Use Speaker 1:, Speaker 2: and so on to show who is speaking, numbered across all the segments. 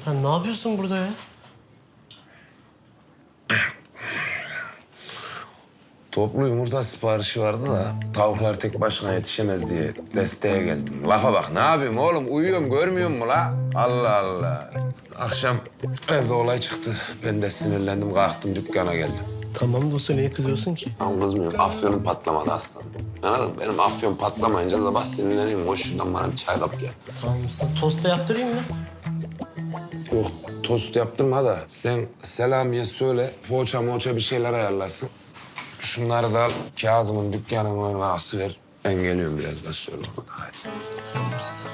Speaker 1: sen ne yapıyorsun burada ya?
Speaker 2: Toplu yumurta siparişi vardı da tavuklar tek başına yetişemez diye desteğe geldim. Lafa bak, ne yapayım oğlum? Uyuyorum, görmüyor musun la? Allah Allah. Akşam evde olay çıktı. Ben de sinirlendim, kalktım dükkana geldim.
Speaker 1: Tamam dostum, niye kızıyorsun ki?
Speaker 2: Ama kızmıyorum, afyonum patlamadı aslanım. Anladın mı? Benim afyon patlamayınca sabah sinirleneyim. Koş şuradan bana bir çay kap gel.
Speaker 1: Tamam usta, tosta yaptırayım mı?
Speaker 2: Yok, tost yaptırma da sen Selami'ye söyle, poğaça bir şeyler ayarlasın. Şunları da al, Kazım'ın dükkanına asıver. Ben geliyorum birazdan, söyle ona. Hadi.
Speaker 1: Tamam usta.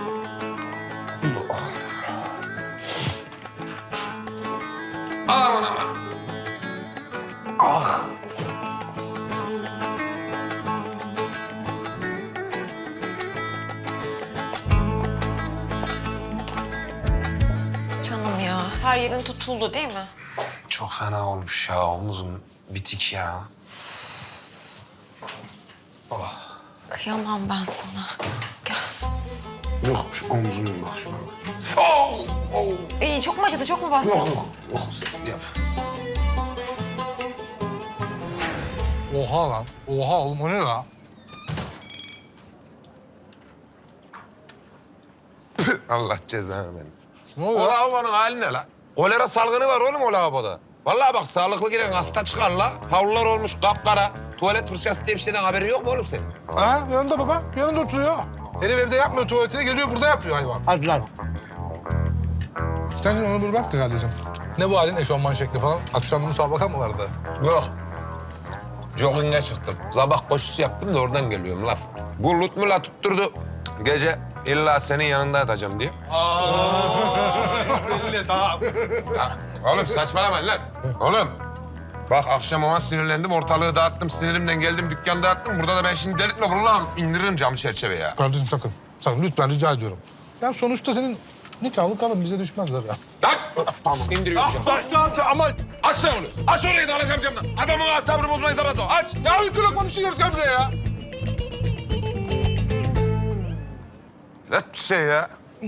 Speaker 2: Aman aman. Ah.
Speaker 3: Canım ya, her yerin tutuldu değil mi?
Speaker 2: Çok fena olmuş ya, omuzum bitik ya.
Speaker 3: Kıyamam ben sana. Gel.
Speaker 2: Yok, şu omzuma bak şuna. Oh! Oh!
Speaker 3: İyi, çok mu acıdı, çok mu bastı?
Speaker 2: Yok, sen yap.
Speaker 4: Oha lan. Oha oğlum o ne la?
Speaker 2: Allah cezanı verin.
Speaker 4: Ne
Speaker 2: O
Speaker 4: oluyor?
Speaker 2: lavabonun hali ne la? Kolera salgını var oğlum o lavaboda. Vallahi bak, sağlıklı giren hasta çıkar la. Havlular olmuş kapkara. Tuvalet fırçası diye bir şeyden haberin yok mu oğlum senin?
Speaker 4: Ha yanında baba. Yanında oturuyor. Herif evde yapmıyor tuvaletine, geliyor burada yapıyor hayvan.
Speaker 1: Hadi lan.
Speaker 4: Sen şimdi onu bir bak da kardeşim. Ne bu halin, eşofman şekli falan? Akşam müsabaka mı vardı?
Speaker 2: Yok. Jogging'e çıktım. Sabah koşusu yaptım da oradan geliyorum laf. Bu Lutmula tutturdu. Gece illa senin yanında yatacağım diye.
Speaker 4: Belli tamam.
Speaker 2: Ya, oğlum saçmalamayın lan. Oğlum. Bak akşam ona sinirlendim, ortalığı dağıttım. Sinirimden geldim, dükkanı dağıttım. Burada da ben şimdi delirtme vurulan indiririm cam çerçeve ya.
Speaker 4: Kardeşim sakın. Sakın lütfen rica ediyorum. Ya sonuçta senin nikahlı karın bize düşmezler ya.
Speaker 2: Lan! Tamam, indiriyorum camı.
Speaker 4: Ama
Speaker 2: Aç sen onu. Aç orayı da alacağım camdan. Adamın asabını bozmayı zaman o. Aç.
Speaker 4: ya bir lokma bir şey göreceğim buraya ya.
Speaker 2: Net bir şey ya.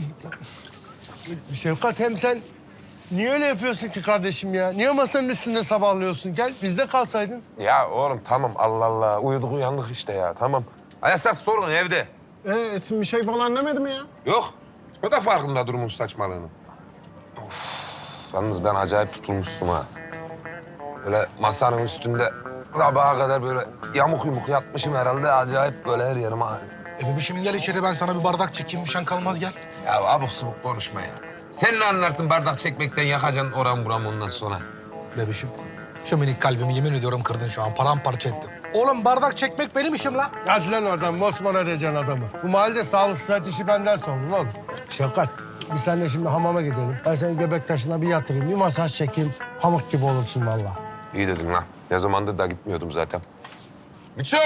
Speaker 1: Şefkat, hem sen niye öyle yapıyorsun ki kardeşim ya? Niye masanın üstünde sabahlıyorsun? Gel bizde kalsaydın.
Speaker 2: Ya oğlum tamam, Allah Allah. Uyuduk uyandık işte ya, tamam. Esas sorun evde.
Speaker 1: Esin bir şey falan demedi mi ya?
Speaker 2: Yok. O da farkında durumun saçmalığının. Of. Yalnız ben acayip tutulmuşsun ha. Böyle masanın üstünde sabaha kadar böyle yamuk yumuk yatmışım herhalde. Acayip böyle her yerim ağrıyor.
Speaker 4: Bebişim gel içeri, ben sana bir bardak çekeyim. Bir şan kalmaz, gel.
Speaker 2: Ya abuk subuk konuşma ya. Sen ne anlarsın bardak çekmekten, yakacaksın oram buram ondan sonra.
Speaker 4: Bebişim, şu minik kalbimi yemin ediyorum kırdın şu an. Paramparça ettin. Oğlum bardak çekmek benim işim la.
Speaker 1: Hadi lan oradan, mosmor edeceksin adamı. Bu mahallede sağlık sıhhat işi benden sorulur oğlum. Şefkat, biz seninle şimdi hamama gidelim. Ben seni göbek taşına bir yatırayım, bir masaj çekeyim. Pamuk gibi olursun vallahi.
Speaker 2: İyi dedin lan. Ne zamandır da gitmiyordum zaten. Miço!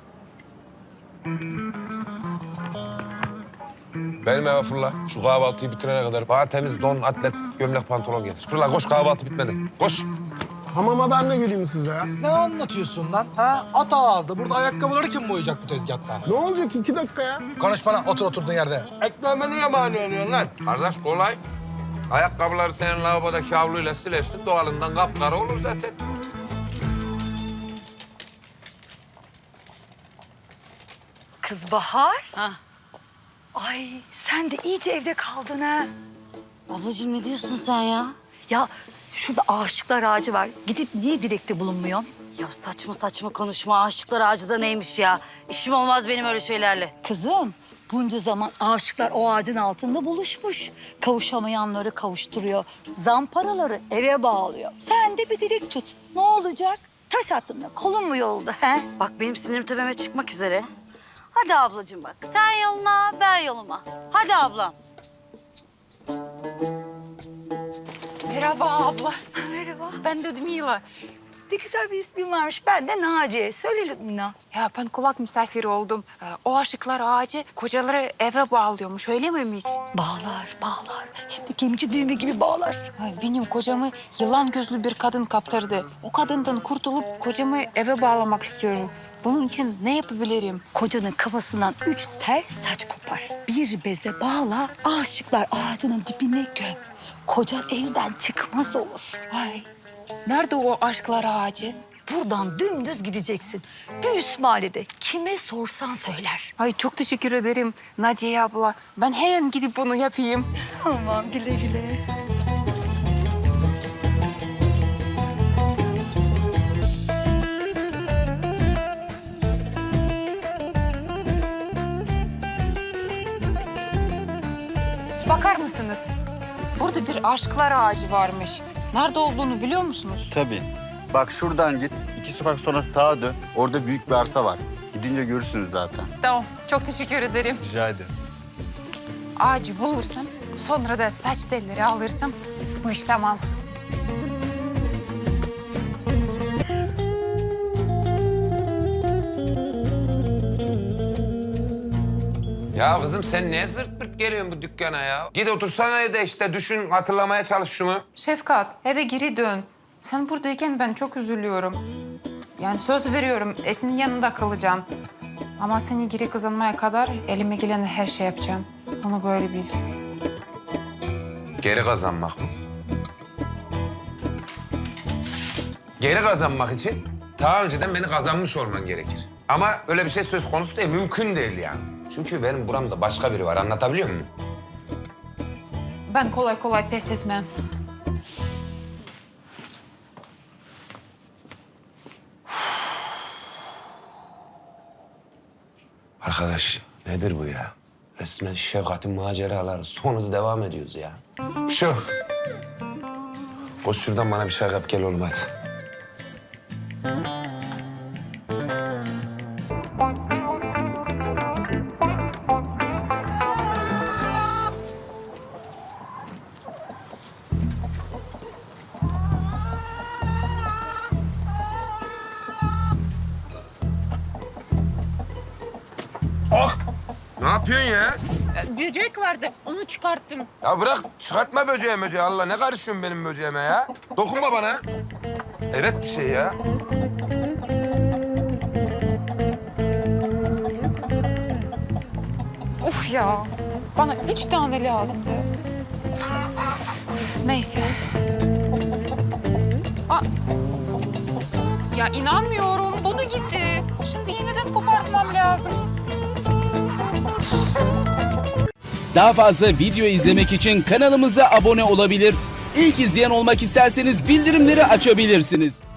Speaker 2: Benim eve fırla. Şu kahvaltıyı bitirene kadar bana temiz don, atlet, gömlek, pantolon getir. Fırla koş, kahvaltı bitmedi. Koş.
Speaker 1: Hamama ben de gireyim size ya.
Speaker 4: Ne anlatıyorsun lan? Ha? At ağızda. Burada ayakkabıları kim boyayacak bu tezgahta?
Speaker 1: Ne olacak 2 dakika ya?
Speaker 4: Konuş bana. Otur oturduğun yerde.
Speaker 1: Ekmeğime niye mani oluyorsun lan?
Speaker 2: Kardeş kolay. Ayakkabıları senin lavabodaki havluyla silersin. Doğalından kapkara olur zaten.
Speaker 5: Kız Bahar. Ay sen de iyice evde kaldın ha.
Speaker 6: Ablacığım ne diyorsun sen ya?
Speaker 5: Ya şurada aşıklar ağacı var. Gidip niye dilekte bulunmuyorsun?
Speaker 6: Ya saçma saçma konuşma. Aşıklar ağacı da neymiş ya? İşim olmaz benim öyle şeylerle.
Speaker 5: Kızım bunca zaman aşıklar o ağacın altında buluşmuş. Kavuşamayanları kavuşturuyor. Zamparaları eve bağlıyor. Sen de bir dilek tut. Ne olacak? Taş attın da kolun mu yolda he?
Speaker 6: Bak benim sinirim tepeme çıkmak üzere. Hadi ablacığım bak. Sen yoluna, ben yoluma. Hadi ablam.
Speaker 3: Merhaba abla.
Speaker 5: Merhaba.
Speaker 3: Ben Ludmila.
Speaker 5: Ne güzel bir ismin varmış. Ben de Naciye. Söyle Lübmina.
Speaker 3: Ya ben kulak misafiri oldum. O aşıklar ağacı kocaları eve bağlıyormuş, öyle miymiş?
Speaker 5: Bağlar, bağlar. Hem de kemici düğme gibi bağlar.
Speaker 3: Ay, benim kocamı yılan gözlü bir kadın kaptırdı. O kadından kurtulup kocamı eve bağlamak istiyorum. Bunun için ne yapabilirim?
Speaker 5: Kocanın kafasından 3 tel saç kopar. Bir beze bağla, aşıklar ağacının dibine göm. Kocan evden çıkmaz olur.
Speaker 3: Ay, nerede o aşklar ağacı?
Speaker 5: Buradan dümdüz gideceksin. Bir mahallede kime sorsan söyler.
Speaker 3: Ay çok teşekkür ederim Naciye abla. Ben hemen gidip bunu yapayım.
Speaker 5: Tamam, güle güle.
Speaker 3: Bakar mısınız? Burada bir aşklar ağacı varmış. Nerede olduğunu biliyor musunuz?
Speaker 7: Tabii. Bak şuradan git. 2 sokak sonra sağa dön. Orada büyük bir arsa var. Gidince görürsünüz zaten.
Speaker 3: Tamam, çok teşekkür ederim.
Speaker 7: Rica ederim.
Speaker 3: Ağacı bulursam, sonra da saç telleri alırsam bu iş tamam.
Speaker 2: Ya kızım sen ne zırt pırt geliyorsun bu dükkana ya? Git otursana evde işte düşün, hatırlamaya çalış şunu.
Speaker 3: Şefkat, eve geri dön. Sen buradayken ben çok üzülüyorum. Yani söz veriyorum, Esin'in yanında kalacağım. Ama seni geri kazanmaya kadar elime gelen her şey yapacağım. Onu böyle bil.
Speaker 2: Geri kazanmak mı? Geri kazanmak için daha önceden beni kazanmış olman gerekir. Ama öyle bir şey söz konusu değil, mümkün değil yani. Çünkü benim buramda başka biri var, anlatabiliyor muyum?
Speaker 3: Ben kolay kolay pes etmem.
Speaker 2: Arkadaş nedir bu ya? Resmen Şefkat'in maceraları. Son hız devam ediyoruz ya. Şu. Koş şuradan bana bir şey yap gel oğlum hadi. Ah! Ne yapıyorsun ya?
Speaker 3: Böcek vardı, onu çıkarttım.
Speaker 2: Ya bırak çıkartma böceği Allah ne karışıyorsun benim böceğime ya? Dokunma bana. Evet bir şey ya.
Speaker 3: Uf ya, bana 3 tane lazımdı. Üf, neyse. Aa, ya inanmıyorum, bu da gitti. Şimdi yeniden kopartmam lazım.
Speaker 8: Daha fazla video izlemek için kanalımıza abone olabilir. İlk izleyen olmak isterseniz bildirimleri açabilirsiniz.